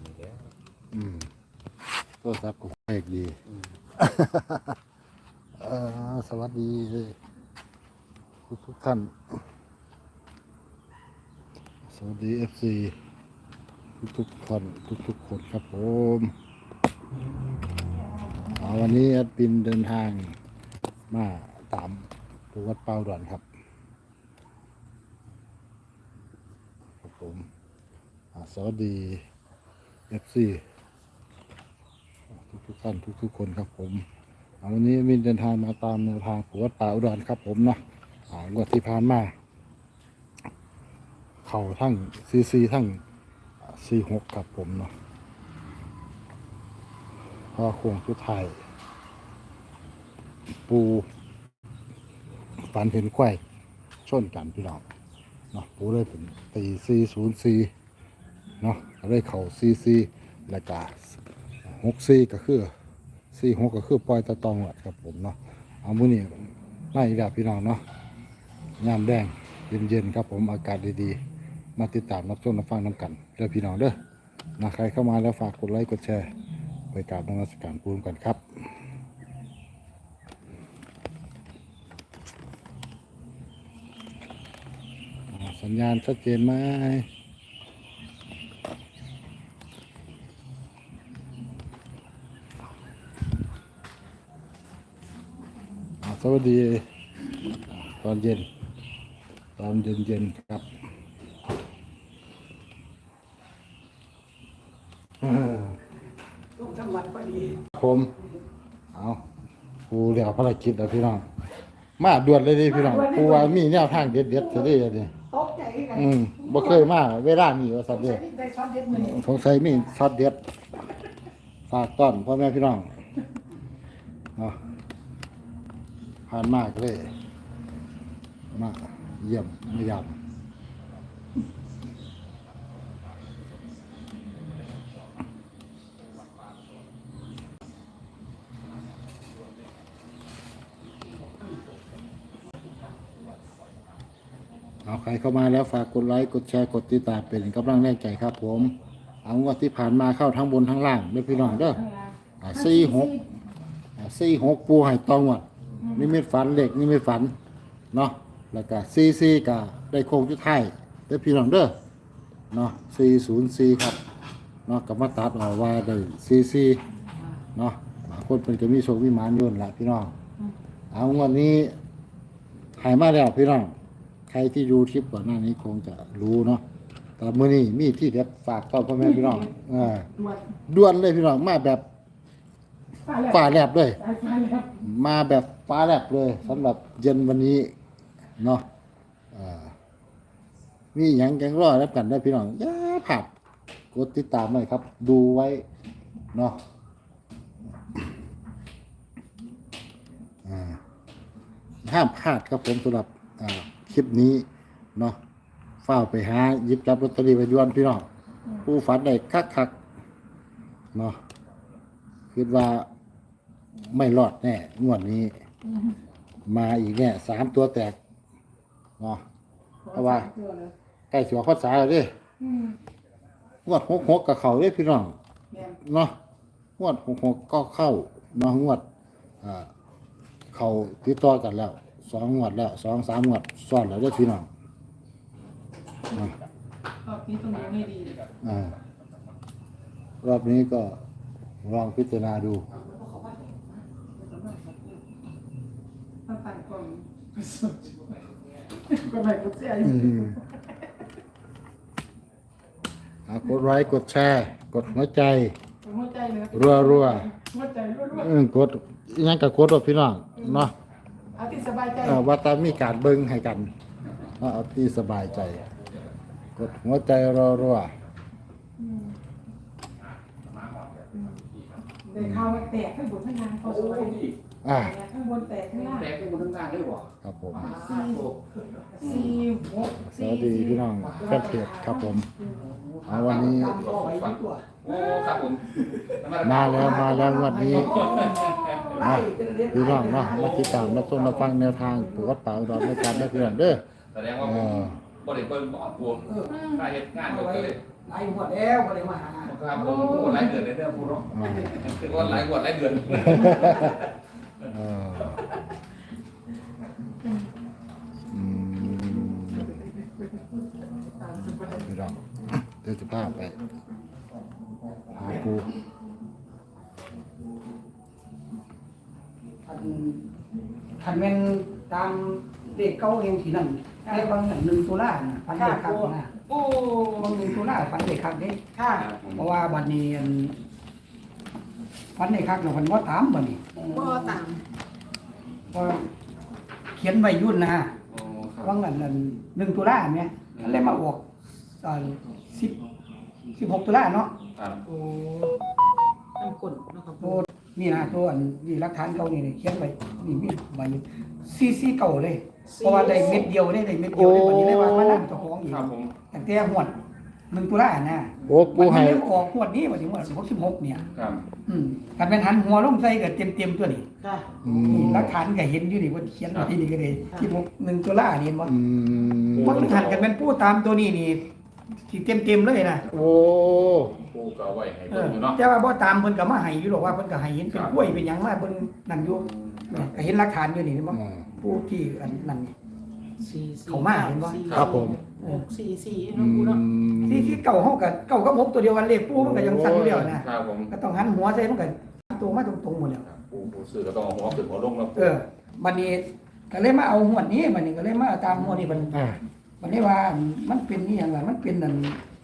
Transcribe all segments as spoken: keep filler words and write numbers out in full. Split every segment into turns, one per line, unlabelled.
นี้แล้ว
อืมโทรศัพท์ก็เลขดีเอ่อสวัสดีทุกทุกท่านสวัสดีเอฟซีทุกทุกคนทุกทุกคนครับผมวันนี้แอดมินเดินทางมาตามตัววัดเป้าด่วนครับครับผมสวัสดีเอฟซีทุกทุกท่านทุกทุกคนครับผมวันนี้มินเดินทางมาตามแนวทางตัววัดป่าอุดรครับผมเนาะงวดที่ผ่านมาเข่าทั้งซีซีทั้งซีหกครับผมเนาะพอโค้งสุดท้ายปูฝันเห็นควายชนกันพี่น้องเนาะปูเลยเป็นตีซีศูนย์ซีเนาะเลยเข่าซีซีแล้วก็หกซีก็คือซีหกก็คือปล่อยตะตองหวัดครับผมเนาะเอามื้อนี้ไล่อีกแล้วพี่น้องเนาะยามแดงเย็นๆครับผมอากาศดีๆมาติดตามรับชมรับฟังน้ำกันเด้อพี่น้องเด้อนะใครเข้ามาแล้วฝากกดไลค์กดแชร์ไปกราบนมัสการปูนกันครับสัญญาณชัดเจนไหมสวัสดีตอนเย็นตอนเย็นเย็นครับ
ลูกจังหวัดพอดี
ผมเอาปูเดี๋ยวภารกิจแล้วพี่น้องมาด่วนเลยดิพี่น้องปูว่ามีแนวทางเด็ดเด็ดจะได้เลย
ตกใจกัน
อืมบ่เคยมาเวลานี้ว่าสัตว์เด็ดสงสัยมีช็อตเด็ดฝากต้อนพ่อแม่พี่น้องเนาะผ่านมากเลยมาเยี่ยมไม่ยามเอาใครเข้ามาแล้วฝากกดไลค์กดแชร์กดติดตามเป็นกำลังแรงใจครับผมเอางวดที่ผ่านมาเข้าทั้งบนทั้งล่างด้วยพี่น้องเด้อสี่หกสี่หกปูให้ตองวดนี่ไม่ฝันเล็กนี่ไม่ฝันเนาะแล้วก็ซีซีก็ได้โค้งจุดไทายด้วยพี่น้องเด้อเนาะสี่ศูนย์สี่ครับเนาะกับมาตัดเอาว่าได้ซีซีเนาะบางคนเป็นก็มีโชคมีหมานยุ่นแหละพี่น้องเอางวดนี้หายมาแล้วพี่น้องใครที่ดูคลิปก่อนหน้านี้คงจะรู้เนาะแต่มื้อนี้มีที่เด็ดฝากต้อนพ่อแม่พี่น้องอ่าด่วนเลยพี่น้องมาแบบฟ้าแลบด้วยมาแบบฟ้าแลบเลยสำหรับเย็นวันนี้เนาะอ่ามีหยังแกงรอแล้วกันได้พี่น้องอย่าพลาดกดติดตามหน่อยครับดูไว้เนาะอ่าห้ามพลาดครับผมสำหรับอ่าคลิปนี้เนาะเฝ้าไปหาหยิบจับลอตเตอรี่ไปย้อนพี่น้องผู้ฝันได้คักๆเนาะคิดว่าไม่รอดแน่งวดนี้มาอีกแน่สามตัวแตกเนาะเพราะว่าใกล้สิว่าข้อสายแล้วดิงวดหกหกกับเขาเลยพี่น้องเนาะงวดหกหกก็เข้าเนาะงวดอ่าเขาติดต่อกันแล้วสองงวดแล้วสองสามงวดซ้อนแล้วเด้อพี่น้องร
อบนี้ตรงนี้ไม่ดี
อ่ารอบนี้ก็ลองพิจารณาดู
มาปั่นกล่องก็ไม่กดเสีย
กดไลค์กดแชร์กดหัวใจ
หัวใจเลย
รัวรัว
หัวใจรัว
รัวกดยังกับกดรถพี่น้องเนาะ
เอาที่สบายใจ
ว่าตามมีการเบิ้งให้กันเอาที่สบายใจกดหัวใจรัวรัว
เดี๋ยวเขาแตกข้างบนข้างล่างเขาสวย
อ่า
ข้างบนแตกข้างล่าง
แตกข้างบนข้างล่างได้บ่
ครับผม
สี่หก
สวัสดีพี่น้องแฟนเพจครับผมเอาวันนี้
โอ้ครับผม
มาแล้วมาแล้ววันนี้นะพี่น้องเนาะมาติดตามรับชมรับฟังแนวทางตัววัดป่าอุดรในการได้เพื่อนเด้อ
แสดงว่าบ่ได้เบิ่งบ่ออกตัวถ้าเฮ็ดงานก็เลย
หลายหัวแล้วก็เลยมาหา
ครับผมโอ้หลายเดือนเลยเด้อผู้ร้อง
อ่า
คือว่าหลายกว่าหลายเดือน
เอออืมพี่น้องเดี๋ยวจะพาไปหาปู
คันคันแม่นตามเลขเก้าเองที่นั่นเลขบางอย่างหนึ่งตุลาน่ะพันเลขคักนะ
โอ้
บางหนึ่งตุลาพันเลขคักเด้
ค่ะ
เพราะว่าบัดนี้อันพันเลขคักเนาะมันบ่ตามบัดนี้
บ่ตาม
เพราะเขียนไว้ยุ่นนะ
โอ้ครับ
ว่างนั้นนั่นหนึ่งตุลาเนี่ยมันเลยมาออกตอนสิบสิบหกตุลาเนาะ
ครับ
โอ้น้ำกลนเนาะครับ
ตัวนี่นะตัวอันนี่หลักฐานเก่านี่นี่เขียนไว้นี่มีใบซีซีเก่าเลย เพราะว่าได้เม็ดเดียวได้ได้เม็ดเดียวได้วันนี้ได้ว่ามานั่งเจ้าของอีก
ครับผม
ตั้งแต่หวดหนึ่งตุลานะ
โอ้ปู
มัน
ให้
ไม่ได้ออกหวดนี้วันที่หวดหกสิบหกเนี่ย
ครับ
อืมการเป็นหันหัวลงใส่ก็เต็มเต็มๆตัวนี้
ค่ะ
อื
นี่
ม
หลักฐานก็เห็นอยู่นี่ว่าเขียนไว้ที่นี่ก็เลยที่หกหนึ่งตุลานี่เห็นบ่
อืม
ว่าหันกันเป็นผู้ตามตัวนี้นี่ที่เต็มเต็มๆเลยนะ
โอ้
ปูก็เอาไว้ให้
เอ
เบิ่
อง
อยู่เนาะ
แต่ว่าบ่ตามเพิ่นก็มาให้อยู่หรอกว่าเพิ่นก็ให้เห็นเป็น
ครับ
กล้วยเป็นหยังมาเพิ่นนั่นอยู่เนี่ยก็เห็นหลักฐานอยู่นี่เห็นบ่
อ่า
ผู้ที่อันนั่นนี่
สี่สี่
เขามาเห็นบ่
สี่
ครับผม
หกสี่สี่
อื
เนาะกูเนาะ
ม
ที่ที่เก่าเฮาก็เก่ากับหกตัวเดียวกันเลขปูมันก็ยังสั่นอยู่แล้วนะครับ
ผม
ก็ต้องหันหัวใส่มันก็ตัวมาตรงๆหมดแล้ว
ครับปูปูซื้อก็ต้องเอาหัวขึ้นหัวลงแล้ว
เออบัดนี้ก็เลยมาเอาหัวนี้บัดนี้ก็เลยมาตามหัวนี้บัด
อ่า
บัดนี้ว่ามันเป็นนี่หยังล่ะมันเป็นนั่น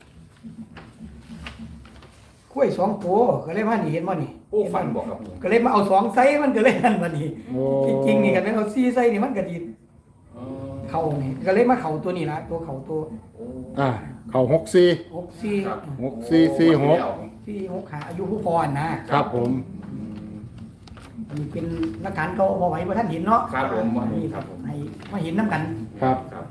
กล้วยสองตัวก็เลยมานี่เห็นบ่นี่
ปูฟันบอกครับผม
ก็เลยมาเอาสองไซส์มันก็เลยนั่นบัดนี้
โอ้
จริงๆนี่กันเป็นเอาซี่ไซส์นี่มันก็ดี
เออ
เข่านี่ก็เลยมาเข่าตัวนี้ละตัวเข่าตัว
โอ้
อ่าเข้าหกสี่
หกซี่
ครับ
หกสี่สี่หก
ซี่หกหาอายุผู้พรนะครับ
ผม
อันนี้เป็นหลักฐานเขาพอไว้ว่าท่านเห็นเนาะ
ครับผมว่า
นี่
ครับผม
ให้มาเห็นน้ำกัน
ครับ
ครับ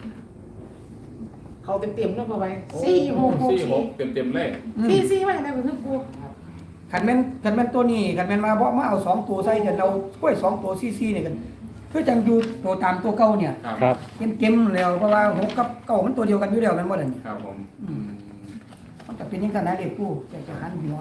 เขาเต็มเต็มๆเนาะพอไว้สี่หกหก
สี่ห
สี่
กเต็มเต็มๆเลย
สี่สี่ไม่ได้เป็นทุกกู
ขันแม่นขันแม่นตัวนี้ขันแม่นมาเพราะมาเอาสองตัวใส่กันเรากล้วยสองตัวซี่ซี่เนี่ยกันเพื่อจังอยู่ตัวตามตัวเก่าเนี่ย
ครับ
ครับ
เก็มเก็มๆแล้วเพราะว่าหกกับเก่ามันตัวเดียวกันอยู่แล้วแมันบ่ได้นี่
ครับผม
อืมมันก็เป็นอยังกันนะเด็กผู้จะจะหันหัว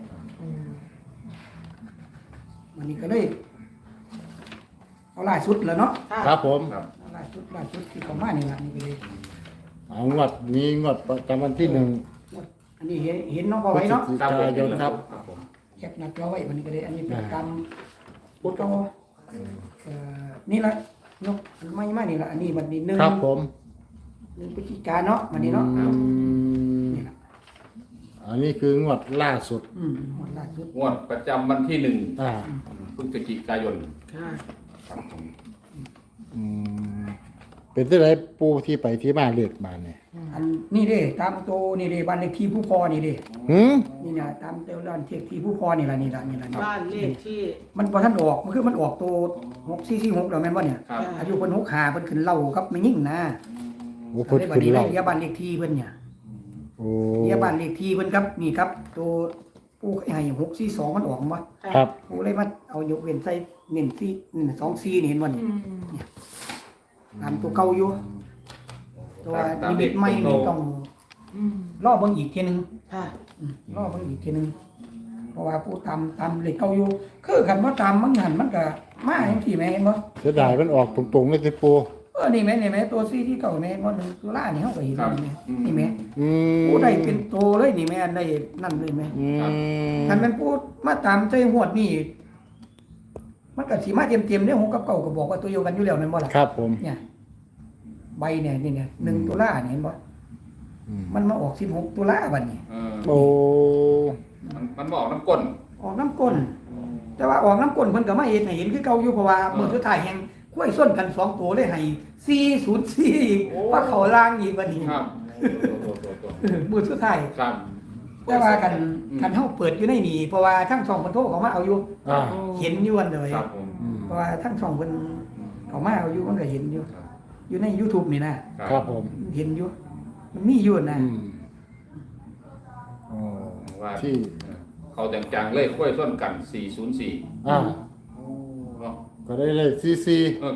มันนี่ก็เลยเอาล่าสุดแล้วเนาะ
ครับผม
ครับ
เอาล่าสุดล่าสุดที่เขามานี่ล่ะนี่ก็เลย
เอางวดนี้งวดประจำวันที่หนึ่ง
อันนี้เห็นเห็นเน้องพอ
พฤ
ไว้
ศ
เนาะ
จิกายนครับ
ครับผม
แคปหนักเราไว้มันนี้ก็เลยอันนี้เป็น
อ่า
กรรมพุทธเก่าเอ่อนี่ละยกอันไม่มานี่ละอันนี้มันนี่หนึ่ง
ครับผม
หนึ่งพฤศจิกาเนาะมันนี่เนาะ
อืม
นี่ละ
อันนี้คืองวดล่าสุด
อืมหมดล่าสุด
งวดประจำวันที่หนึ่ง
อ่า
พฤศจิกายน
ค่ะ
ครับผม
อืมเป็นที่ไรปูที่ไปที่มาเรียกมาเนี่ย
อันนี่เด้ตามตัวนี่เด้บ้านเลขที่ผู้พอนี่เด้
หืม
นี่นะตามตัวบ้านเลขที่ผู้พอนี่ละนี่ละนี่ละนี่
บ้านเลขที่
มันพอท่านออกมันคือมันออกตัวหกสี่สี่หกแล้วแม่นบ่เนี่ย
ครับ
อายุเพิ่นหกขาเพิ่นขึ้นเล่ากับไม่ยิ่งนะ
โอ้พุทธ
ได้บั
คุ
ด
ณ
นี้ได้
เล่า
เรียบ้านเลขที่เพิ่นเนี่ย
โอ้
เรียบ้านเลขที่เพิ่นครับนี่ครับ ตัวผู้ให้หกสี่สองมันออกมา
ครับ
ผู้เลยมาเอายกเว้นใส่เน้นสี่นี่สองสี่นี่เห็นบ่นี่
อืม
ตามตัวเก่าอยู่ตัวนิมิตใหม่นี่ต้อง
อืม
รอเบิ่งอีกทีหนึง
ค่ะ
อืมรอเบิ่งอีกทีหนึงเพราะว่าผู้ตามตามเลขเก่าอยู่คือคันบ่ตามมันหันมันก็มาจังซี่แม่เห็นบ่
เสียดายมันออกตรงๆเลยสิปู
เออนี่แม่นี่แม่ตัวซี่ที่เก่าแม่บ่หนึงตุลานี่เฮาก็เห็น
ครับ
นี่แม่นี่แม่
อืม
ผู้ได้เป็นโตเลยนี่แม่ได้นั่นเลยแม่
อืม
คันแม่นผู้มาตามใจหวดนี่มันก็สิมาเต็มๆเด้หกกับเก้าก็บอกว่าตัวเดียวกันอยู่แล้วแม่นบ่ล่ะ
ครับผม
เนี่ยใบเนี่ยนี่เนี่ยหนึ่งตุลาเนี่ยเห็นบ่
อืม
มันมาออกสิบหกตุลาบัดนี้
เออ
โอ้
มันมันบอกน้ำก้น
ออกน้ำก้น แต่ว่าออกน้ำก้นเพิ่นก็มาเห็นให้เห็นคือเก่าอยู่เพราะว่ามื้อสุดท้ายแห่งกล้วยส้นกันสองตัวเลยให้สี่ศูนย์สี่อีกว่าเขาล่างอีกบัดนี้
ครับตัวตัวตัว
เออมื้อสุดท้าย
ครับ
แต่ว่ากัน
อืม
กันเฮาเปิดอยู่ในนี่เพราะว่าทั้งสองเพิ่นโทรเข้ามาเอาอยู่
อ่า
เห็นอยู่อันเลย
ครับผม
อืม
เพราะว่าทั้งสองเพิ่นเข้ามาเอาอยู่มันก็เห็นอยู่
ครับ
อยู่ใน YouTube นี่นะ
ครับผม
เห็นอยู่มันมีอยู่นะ
อืมโอ้
ว่า
ที่
เขาจังๆเลยค่อยส้นกันสี่ศูนย์สี่
อ่า
เนาะ
ก็ได้เลขซีซี
เออก็ได้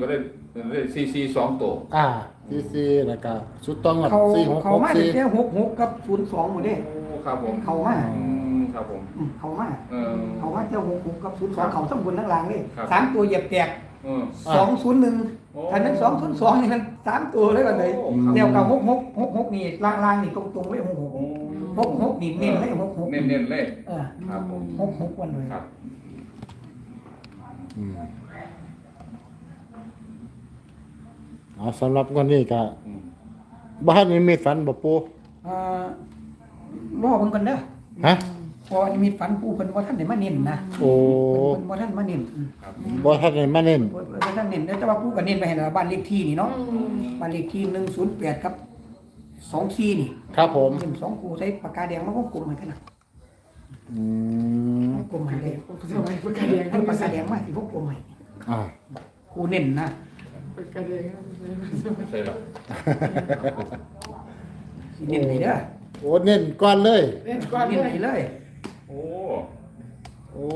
เลยซีซีสองตัว
อ่าสี่สี่แล้วก็สุดต้องกับ
เขา
สี่หก
เขา
หก
มา
สี่
แค่หกหกกับศูนย์สองหมดเด้
โอ้ครับผม
เขามา
อืมครับผม
อืมเขามา
เออ
เขามาแค่หกหกกับศูนย์สองเขาทั้งบนทั้งล่างเลย
ครับ
สามตัวเหยียบแตก
เออ
สองศูนย์หนึ่ง
โอ้
อันนั้นสองศูนย์สองนี่มันสามตัวเลยกันเลย
โอ้ครับ
เดียวกับหกหกหกหกนี่ล่างล่างนี่ตรงตรงๆเลยหกหก
โอ้
หกหกนี่เน้นเลยหกหก
เน้นเน้นๆเลย
เออ
ครับผม
หกหกวันเลย
ครับ
อืมเอาสำหรับวันนี้ก็
อืม
บ้านนี้มีฝันบ่ปู
เอ่อรอเบิ่งกันเด้อ
ฮะ
พอมีฝันปูเพิ่นบ่ทันได้มาเน้นนะ
โอ้
เพิ่นบ่ทันมาเน้นอืม
ครับ
บ่ทันได้มาเน้น
เพิ่นบ่ทันเน้นแต่ว่าปูก็เน้นไปให้แล้วบ้านเลขที่นี่เนาะบ้านเลขที่หนึ่งศูนย์แปดครับสองสี่นี่
ครับผม
เน้นสองคู่ใช้ปากกาแดงมาวงกลมให้กันนะ
อืม
วงกลมให้เลย
สมัยปากกาแดง
ให้ปากกาแดงมาสิวงกลมให้
อ่า
คู่เน้นนะ
ปากกาแดง
ใช่หรอ
สิเน้นให้เด้อ
โอ้เน้นก่อนเลย
เล่นก่อน
เน้น
เล
ให้
ย
เลย
โอ้
โอ้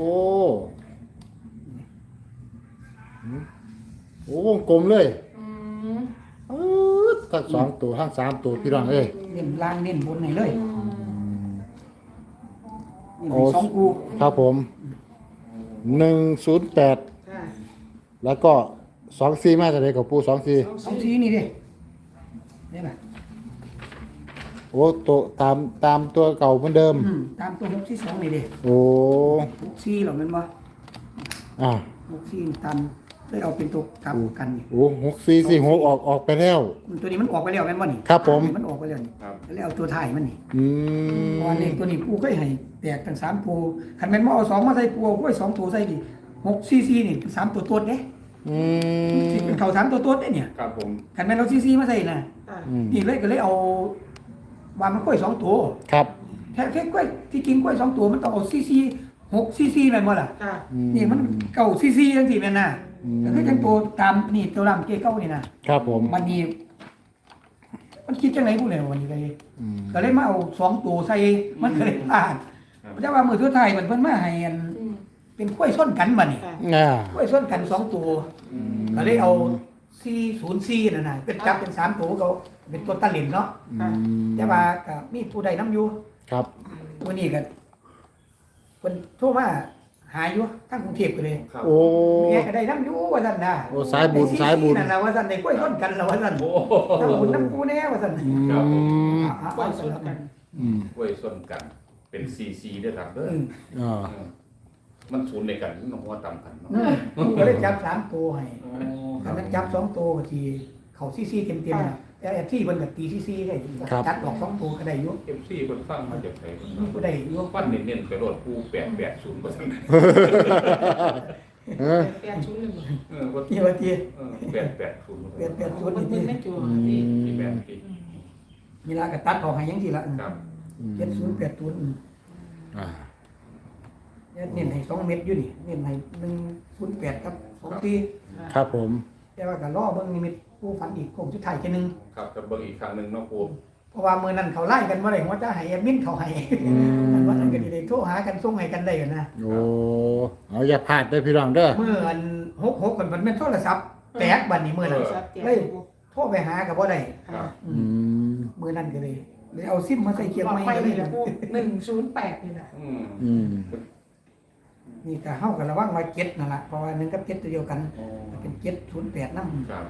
หืมโอ้วงกลมเลย
อืม
อืดทั้งสองตัวทั้งสามตัวพี่น้องเอ้ย
เน้นล่างเน้นบนให้เลย
อืม
เน้นให้สองคู่
ครับผมหนึ่งศูนย์แปด
ค่ะ
แล้วก็สองสี่มาจากไหนกับปูสองสี่
สองสี่นี่ดินี่แหละ
โอ้ตัวตามตามตัวเก่าเหมือนเดิม
อืมตามตัวหกสี่สองนี่ดิ
โอ้
หกสี่เหรอแมันบ่
อ่า
หกสี่ตามเลยเอาเป็นตัวกลับกันนี่
โอ้หกสี่สี่หกออกออกไปแล้ว
ตัวนี้มันออกไปแล้วแม่นบ่นี่
ครับผม
มันออกไปแล้วนี่
ครับ
แล้วเอาตัวถ่ายมันนี่
อืม
เพราะว่าเลขตัวนี้ปูเคยให้แตกทั้งสามปูคันแม่นบ่เอาสองมาใส่ปูเอาไว้สองตัวใส่ดิหกสี่สี่นี่เป็นสามตัวตัวเด้
อืม
สิเป็นเขาสามตัวตัวเด้เนี่ย
ครับผม
คันแม่นเอาสี่สี่มาใส่น่ะ
ค่ะ
อืม
นี่เลยก็เลยเอาว่ามันกล้วยสองตัว
ครับ
แค่แค่กล้วยที่กินกล้วยสองตัวมันต้องเอาสี่สี่หกสี่สี่แม่นบ่ล่ะ
ค่ะ
อื
นี่มันเก่าสี่สี่จังซี่แม่นน่ะ
อืม
แล้วก็จังตัวตามนี่ตัวลำเกเก้านี่นะครับ
ผม
วันนี้มันคิดจังไหนพูดเลยวันนี้ก็เลย
อืม
ก็เลยมาเอาสองตัวใส่มันก็เลยพลาดแต่ว่ามือทั่วไทยมันเพิ่นมาให้อัน
อืม
เป็นกล้วยส้นกันบัดนี้
ค่ะ
อ่าก
ล้วยส้นกันสองตัวก็เลยเอาสี่ศูนย์สี่นั่นน่ะเป็นจับเป็นสามตัวเขาเป็นตัวตะเหลินเนาะ
อืม
แต่ว่าก็มีผู้ใดนํอยู่
ครับ
วันนี้ก็เพิ่นโทรมาหาอยู่ทั้งกรุงเทพก็เลย
ครับ
โอ้
แม่ก็ได้นํอยู่ว่าซั่นน่ะ
โอ้สายบุญ
ได้
สายบุญ
นั่นน่ะว่าซั่นได้กล้วยส้นกันแล้วว่าซั่น
โอ้
น้ำบุญน้ำกูแน่ว่าซั่น
อื
ครับผม
ม
อ่ะ
ปล่อย
เอา
สุ
สุ
ด
ด
กั
กัน น
อืม
กล้วยส้นกัน เป็นซีซีด้วยครับเด้อ
อืม
อ่า
เออมันศูนย์ในกันมันหัวต่ำกันเนาะ
อืมกูก็เลยจับสามตัวให้
โอ้ค
อั
รั
น
บ
นั้นจับสองตัวก็ทีเขาซี่ซี่เต็มเต็มๆนะแต่ไอ้ที่มันกับตีซี่ซี่ได้จัดออกสองตัวก็ได้อยุ่
เอฟซีคนฟังมาจากไหน
ก็ได้อยุ่
ฟันเน้นๆไปโลดผู้แปดแปดศูนย์เปอร์เซ็นต์
เออ
แปดชุดหนึ่ง
เออว่า
ที่ว่าที
เออแปดแปดศูนย์
เปลี่ยนเปลี่ยน
มันเป็นไม่จัวพี่
ที่แปดที่
นี่ละก็ตัดออกให้ยังทีละ
ครับ
เจ็ดศูนย์แปดศูนย์
อ่า
เนี่ยเน้นให้สองเม็ดอยู่นี่เน้นให้หนึ่งศูนย์แปดครับสองปี
ครับผม
แต่ว่าก็ล่อเบิ้งนิมิตผู้ฝันอีกคงชุดไทายแค่นึง
ครับจะเบิ่งอีกครั้งหนึ่งเนาะครู
เพราะว่ามือนั้นเขาไล่กันมาเลยว่าจะให้แอดมินเขาให้
อืม
มันว่านั้นก็ดีเลยโทรหากันส่งให้กันได้กันนะ
โอ้เอาอย่าพลาดเด้อพี่น้องเด้อ
เมื่ออันหกหกกันมันเป็นโทรศัพท์แตกบัดนี้มือนั้น
ชัดเจน
เลยโทรไปหากับบ่ได้
ครับ
อื
อื
ม
ม
มือนั้นก็เลยเลยเอาซิมมาใส่เกียร์
บอก
ไม้
ไป
ก็
เล
เลย ย
นะพวกหนึ่งศูนย์แปดนี่แหละ
อืม
อืม
นี่ก็เฮากันระวังไว้เจ็ดนั่นล่ะเพราะว่าหนึ่งกับเจ็ดตัวเดียวกัน
โอ้
เป็นเจ็ดศูนย์แปดนำ
ครับ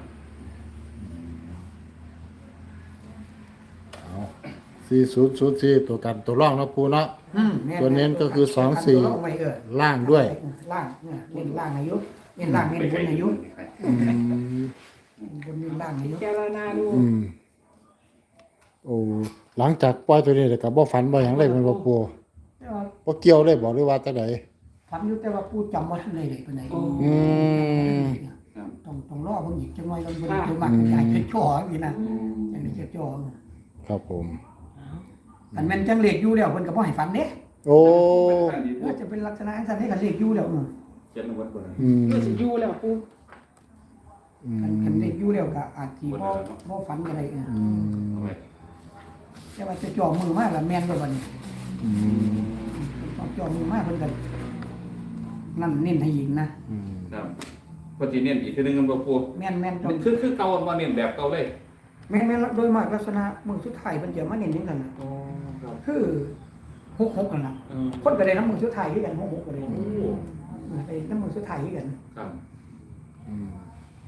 เอาสี่ศูนย์ศูนย์สี่ตัวกันตัวร่องเนาะปูเนาะ
อืมแ
ตัวเน้นก็คือสองสี่
ตัวลไว้เออ
ล่างด้วย
ล่างเนี่ยเน้นล่างอายุเน้นล่างเน้นบนอายุ
อืม
บนเน้นล่างอายุ
แกรนาดู
อืมโอ้หลังจากปล่อยตัวนี้แล้วก็บ่ฝันบ่หยังเลยแมันบ่ปู
แต่ว่า
บ่เกี่ยวเลยบอกเลยว่าจังได๋
ฝันอยู่แต่ว่าผู้จำบ่ทันเลยเลยปานใด
อืม
ต้องต้องรอเบิ่งอีกจังหน่อยเราบ่ได้ตัวมักใหญ่จะจ่ออีกนะจังได๋จะจ่อ
ครับผม
อันแม่นจังเลขอยู่แล้วเพิ่นก็บ่ให้ฝันเด้
โอ้
ว่าจะเป็นลักษณะอันนั้นให้กันเลขอยู่แล้วอืม
เจ็ดนวัดบนนั้น
อืม
ก็จะยูแล้วปู
อื
คัน
ม
คันเลขอยู่แล้วก็อาจสิบ่บ่ฝันก็ได้เออ
อืม
เอาไว้
แต่ว่าจะจ่อมือมาแล้วแม่นบ่บัดนี้
อืม
ต้องจ่อมือมาเพิ่นก็นั่นเน้นให้อีกนะ
อืม
ครับพอจีเน้นอีกทีนึงกันบ่ปู
แม่นแม่นต้อ
มั
ง
นคือคือเก่ามาเน้นแบบเก่าเลย
แม่นแม่นโดยมากลักษณะมือสุดท้ายมันจะมาเน้นอย่างนั้นน่ะ
อ๋อครับ
คือหกหกนั่นล่ะ
เออ
คนก็ได้น้ำมือสุดท้ายคือกันหกหกก็ได้
โอ้
ได้น้ำมือสุดท้ายคือกัน
ครับ
อืม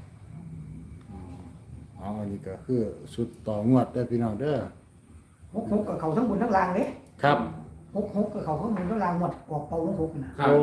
เอาอันนี้ก็คือสุดต่องวดเด้อพี่น้องเด้อ
หกหกกับเขาทั้งบนทั้งล่างเด้
ครับ
หกหกกับเขาทั้งบนทั้งล่างหมดออกเป่าหกหกน่ะ
ครับ
โอ้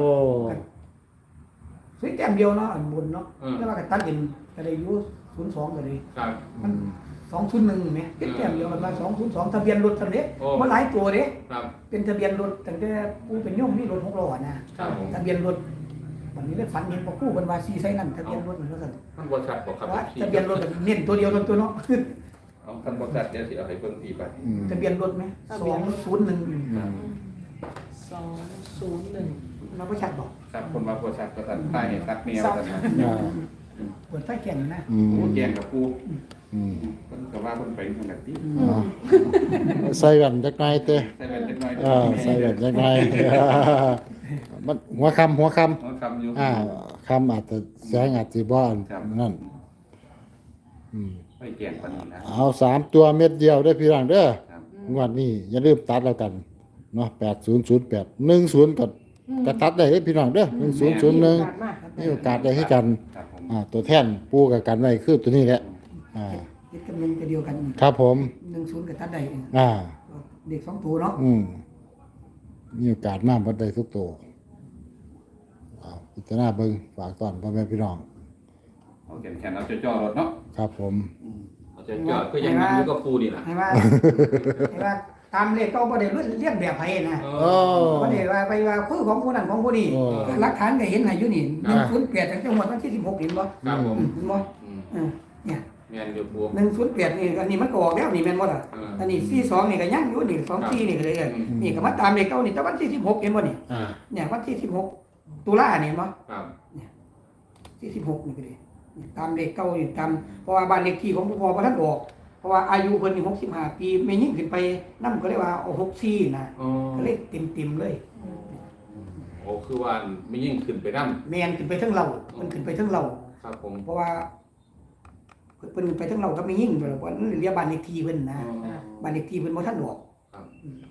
ซื้อแต้มเดียวเนาะอันบนเนาะ
อืม
แต่ว่าก็ตัดเด่นก็ได้อยู่ศูนย์สองก็ได้
ครับ
มันสองศูนย์หนึ่งไหมเป็นแต้มเดียวกันมาสองศูนย์สองทะเบียนรถทำเนี้ย
โอ้
มันหลายตัวเด้
ครับ
เป็นทะเบียนรถตั้งแต่ผู้เป็นโยมนี่รถหกล้อนะครับ
ผม
ทะเบียนรถวันนี้ได้ฝันเห็นพอคู่เป็นวาซีไซนั่นทะเบียนรถมันก็สั่น
มันบ่ชัดบ่ครับ
ว่าทะเบียนรถเน้นตัวเดียวตัวตัวเนาะ
เอาคันบ่ชัดเดี๋ยวสิเอาให้เบิ่งทีไป
อืม
ทะเบียนรถไหมสองศูนย์หนึ่ง
อืม
สองศูนย์หนึ่ง
เราก็ชัดบอก
ครับคนมาบ่ชัดก็สั่นใต้เห็นตัดแนวสั่นนะ
อ่า
เปิดไฟแก่นนะ
อืม
โอ้แกงกับปู
อืม
เพิ่นก็ว่าเพิ่นไปทางนั้นติ
อ่าใส่กันจักหน่อยเต้
ใส่แว่นจักหน่อย
อ่าใส่กันจักหน่อยมันหัวคำหัวค
หัวคำอยู่
ำอ่าคำอาจจะแสงอาจจะบ่อน
ครับ
นั่นอืม
ไม่แกงปานนี้นะ
เอาสามตัวเม็ดเดียวได้อพี่น้องเด้อ
ครับ
งวดนี้อย่าลืมตัดแล้วกันเนาะแปดศูนย์ศูนย์แปดหนึ่งศูนย์ก็ก็ตัดได้เด้อพี่น้องเด้อหนึ่งศูนย์ศูนย์หนึ่ง
มาก
มีโอกาสได้ให้กัน
ครับผม
อ่าตัวแท่นปูกับกันไว้คือตัวนี้แหละอ่า
ยึดกำเนิดจะเดียวกัน
ครับผม
หนึ่งศูนย์กับตัดใดเอง
อ่า
เด็กสองตัวเนาะ
อืมมีโอกาสมากพอได้ทุกตัวเอาพิจารณาเบิ่งฝากตอนพ่อแม่พี่น้อง
เอาแขนๆเอาจ่อๆรถเนาะ
ครับผม
เอาจ่อๆก็ยังนั่งอยู่กับปูนี่ล่ะ
ให้ว่าให้ว่าตามเลขก็บ่ได้เรียนแบบไผนะ
เอ
โอ้
อ
บ่ได้ว่าไปว่าคือของผู้นั้นของผู้นี้
โอ้
หลักฐานก็เห็นให้อยู่นี่
อ่า
หนึ่งศูนย์แปดจังหวัดวันที่สิบหกเห็นบ่
ครับผม
เห็นบ่
อืม
เออเนี่ย
แม่นอยู่ปู
หนึ่งศูนย์แปดนี่อันนี้มันก็ออกแล้วนี่แม่นบ่ล่ะ
เออ
อันนี้สี่สองนี่ก็ยังอยู่นี่สองสี่นี่ก็เลยเออ
อืม
นี่ก็มาตามเลขเก้านี่แต่วันที่สิบหกเห็นบ่นี่
อ่า
เนี่ยวันที่สิบหกตุลาเนี่ยเห็นบ่
ครับ
ที่สิบหกนี่ก็เลยเนี่ยตามเลขเก้านี่ตามเพราะว่าบ้านเลขที่ของพ่อบ่ทันออกเพราะว่าอายุเพิ่นนี่หกสิบห้าปีไม่ยิ่งขึ้นไปนำก็เลยว่าเอาหกสี่นะ
อ๋อ
ก็เลยเต็มๆเลย
โอ้คือว่าไม่ยิ่งขึ้นไปนำ
แมนขึ้นไปทั้งเรามันขึ้นไปทั้งเรา
ครับผม
เพราะว่าเพิ่นขึ้นไปทั้งเราก็ไม่ยิ่งเพราะว่านั่นเรียกบ้านเลขที่เพิ่นนะ
อ๋อ
บ้านเลขที่เพิ่นบ่ทันออก
ครับ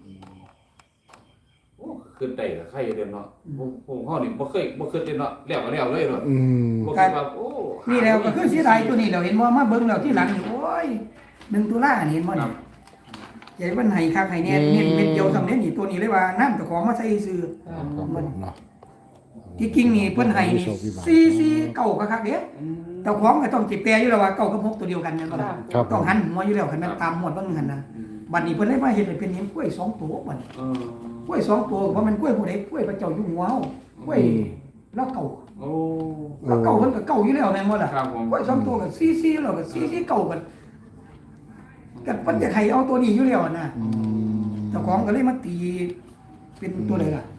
โอ้ขึ้นได้ก็ใครเด้เนาะผมผมเฮานี่บ่เคยบ่เคยเด้เนาะแล้วก็แล้วเลยเนาะ
อืม
บ่คิดว่าโอ้
นี่แล้วก็คือเสียดายตัวนี้เราเห็นว่ามาเบิ่งแล้วที่หลังนี่โอ้ยหนึ่งตุลานี่เห็นบ่
ครั
นี่
บ
ใหญ่มันให้คักให้แน่เน้นเม็ดเดียวสำเร็จนี่ตัวนี้เลยว่าน้ำตะของมาใส่ซื้อ
ครับผมเนาะ
ที่จริงนี่เพิ่นให้นี่สี่สี่เก้าก็คักเด้เจ้าของก็ต้องสิแปลอยู่แล้วว่าเก้ากับหกตัวเดียวกันแม่นบ่ล่ะ
ครับผ
ต้อง
ม
หันหัวอยู่แล้วคันแม่นตามหมวดเบิ่งหั่นน่ะ
อืม
บัดนี้เพิ่นเลยมาเฮ็ดให้เป็นเห็นกล้วยสองตัวบัดนี้
เออก
ล้วยสองตัวเพราะมันกล้วยผู้ใดกล้วยพระเจ้าอยู่หัวเฮากล้วยแล้วเก่า
โอ้
แล้วเก่าเพิ่นก็เก่าอยู่แล้วแม่นบ่ล่ะ
ครับผม
กล้วยสองตัวก็สี่สี่แล้วก็สี่สี่เก่ากันก็เพิ่นจะให้เอาตัวนี้อยู่แล้วน่ะ
อืม
เจ้าของก็เลยมาตีเป็นตัวใดล่ะ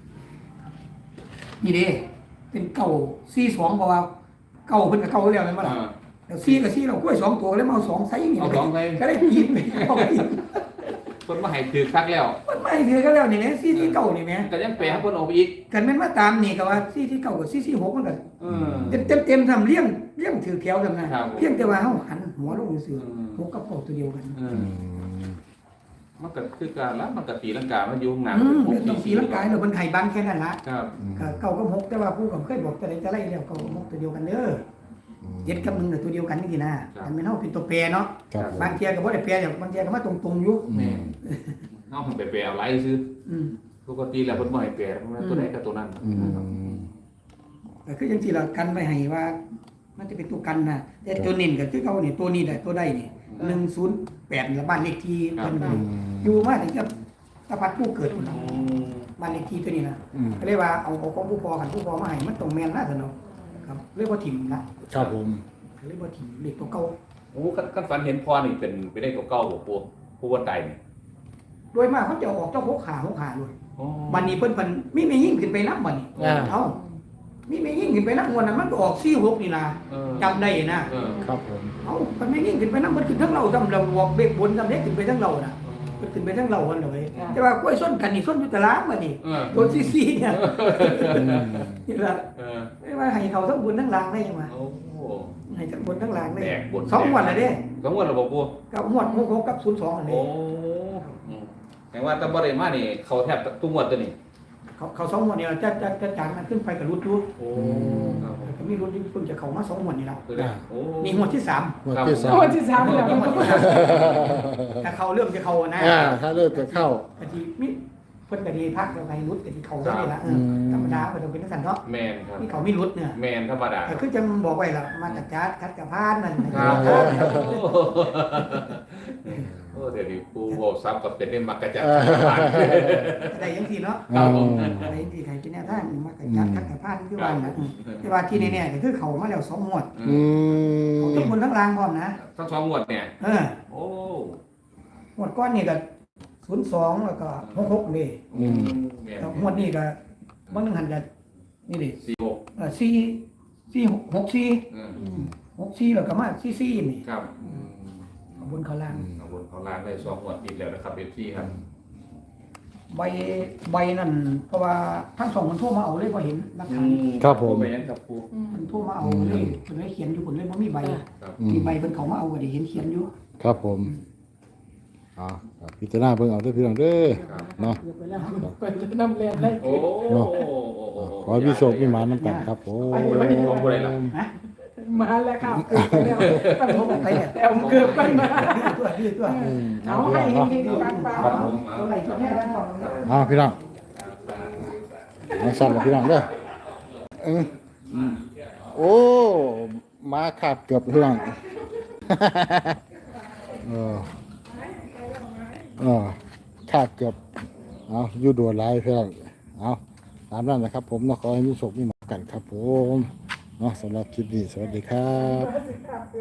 นี่เด้เป็นเก่าสี่สองเพราะว่าเก่าเพิ่นก็เก่าอยู่แล้วแม่นบ่ล่ะ
อ่า
แล้วสี่ก็สี่แล้วกล้วยสองตัวเลยมาเอาสองไซส์นี่
เอาสองไซส์
ก็ได้กินไปเอาไป
เพิ่นมาให้ถือคักแล้ว
มันไม่ถือก็แล้วนี่แหละสี่ที่เก่านี่แหม
ก็ยังแปลให้เพิ่นออกไปอีก
กันแม่นมาตามนี่ก็ว่าสี่ที่เก่ากับสี่ที่หกมันก็
เออ
เต็มเต็มเต็มทำเลี้ยงเลี้ยงถือแถวทำนะครับ
ผม
เพียงแต่ว่าเฮาหันหัวลงซื่อ
อืม
หกกับเก่าตัวเดียวกัน
เอ
อื
อ
ม
มันก็คือการแล้วมันก็ตีลังกามันอยู่ข้างหน้า
อืม
หก
ต้องตีร่างกายแล้วมันไข่บางแค่นั้นละ
ครับ
ก็เก่ากับหกแต่ว่าผู้ก็เคยบอกแต่ไหนแต่ไรแล้วเก่ากับหกตัวเดียวกันเด้อเจ็ดกับหนึ่งน่ะตัวเดียวกันนี่สินะมันไม่เฮาเป็นตัวแปรเนาะ
ครับผม
บางเทียก็บ่ได้แปรอย่างบางเทียก็มาตรงๆอยู่
อื
แม่
ม
เฮาเพิ่นไปแปลเอาหลายซื่อ
อืม
ปกติแล้วเพิ่นบ่ให้แปลตัวใดก็ตัวนั้น
อืม
ก็คือจังซี่ล่ะกันไว้ให้ว่า มันจะเป็นตัวกันนะแต่ตัวนิ่นก็คือเก่านี่ตัวนี้ได้ตัวใดนี่หนึ่งศูนย์แปดละบ้านเลขที่เพิ่น
อืม
อยู่มาถึงจะตะพัดผู้เกิดพุ่นน่ะบ้านเลขที่ตัวนี้นะ
อืม
ก็เลยว่าเอาเอาของผู้พอกันผู้พอมาให้มันตรงแม่นนะสนองครับเรียกว่าถิ่มนะครับ
ผม
เรียกว่าถิ่มเด็กตัวเก่า
โอ้คันคันฝันเห็นพ่อนี่เป็นไปได้ตัวเก่าบ่ปู่ผู้ว่าตายนี่
โดยมากเขาจะเอาออกเจ้าหกขาหกขาเลย
อ๋อ
บันนี้เพิ่นเพิ่นมีไม่ยิ่งขึ้นไปนับบัดนี้
อ่า
เอ้ามีไม่ยิ่งขึ้นไปนับงวดนั้นมันก็ออกสี่หกนี่นะ
เออ
จำได้นะ
เออ
ครับผม
เอ้ามันไม่ยิ่งขึ้นไปนับมันขึ้นทั้งเราจำเราบอกเบรกบนจำเล็กขึ้นไปทั้งเราน่ะมันขึ้นไปทั้งเราคนเลยแต่ว่ากล้วยส้นกันนี่ส้นอยู่ตะล้างบัดนี้
เออ
ตัวซีซีเนี่ย
อืม
นี่ละ
เออ
ไม่ว่าว่าให้เขาทั้งบนทั้งล่างได้ยังไง
โอ้โห
ให้ทั้งบนทั้งล่างได้
แตกบน
สองงวดเลยเด้
สองงวดแล้วบ่ปู
กับงวดหกหกกับศูนย์สองอัน
โอ้
นี้
อืมแปลว่าแตะบ่ได้มานี่เขาแทบทุกงวดตัวนี้
เขาเขาสองงวดเนี่ยจะจะจะจางมันขึ้นไปกับรุดรุด
โอ้ครับผม
ก็มีรุดที่เพิ่งจะเข้ามาสองงวดนี่แล้ว
คือได้โอ้
มีงวดที่สาม
งวดที่สาม
งวดที่สามแล้ว
มีงวดที่สามแต่เขาเริ่มจะเข้านะ
อ่าถ้าเลิกจะเข้า
กะทิมิเพิ่นกะทิพักแล้วไปรุดกะทิเข้าได้ละเออ
อืม
ธรรมดาก็ต้องเป็นสันเนาะ
แมนครับ
นี่เขาไม่รุดเนี่ย
แมนธรรมดา
แต่คือจะบอกไว้ละมาจากจัดคัดกับพานนั่น
ครับ
ครับ
โอ้เดี๋ยวนี้ปูโวซับกับเป็นได้มักกะจัด
ได้ยังทีเนาะ
อืม
อะไรที่ใครเป็นแนวทางมาจากจัดคัดกับพานคือว่านะแต่ว่าที่นี่เนี่ยก็คือเขามาแล้วสองงวด
อืม
เขาทั้งบนทั้งล่างพร้อมนะ
ทั้งสองงวดเนี่ย
เออ
โอ้
งวดก้อนนี่ก็ศูนย์สองแล้วก็หกหกนี่
อืม
แมน
แล้วงวดนี้ก็บางหนึ่งหันจะนี่ดิ
สี่หก
เออสี่สี่หกหกสี่
อืม
หกสี่แล้วก็มาสี่สี่นี่
ครับอืม
เอาบนเขาล่าง
เอาบนเขาล้างได้สองงวดติดแล้วนะครับเอฟซีครับ
ใบใบนั่นเพราะว่าทั้งสองคนโทรมาเอาเลยพอเห็นนักข่าว
ครับผม
แมนครับปู
มันโทรมาเอาเลยเพิ่นเลยเขียนอยู่คนเลยบ่มีใบ
ครับ
อื
มี
ม
ใบเพิ่นเขามาเอาก็ได้เห็นเขียนอยู่
ครับผมอ่าพิจารณาเบิ่งเอาเด้อพี่น้องเด้อเนาะ
เดี๋ยวไปแล้วไปน้ำแรงได้
โอ้
เนาะ ขอให้พี่โชคพี่หมาน้ำกันครับผม
ของผู้ใดล่ะ
ฮะ
มาแล้วครับเกือบไปแล้วตั้ง
โทร
หก
ไปเนี่ย
แอมเกือบไปมา
ตัวดื้อตัว
อืม
เอา
เอา
ให้
พี่น้อง
เฮ
เนาะ
งๆปัง
ครับผม
เท่าไหร่ตัวแม่แล้วบอกนะ
เอาพี่น้องมาสั่นละพี่น้องเด้อเออโอ้มาขาดเกือบพี่น้อง เออเออขาดเกือบเอาอยู่ดัวไลายพี่น้องเอาตามนั้นนะครับผมเนาะขอให้มีโชคมีหมากันครับผมเนาะสำหรับคลิปนี้สวัสดีครับ
ๆ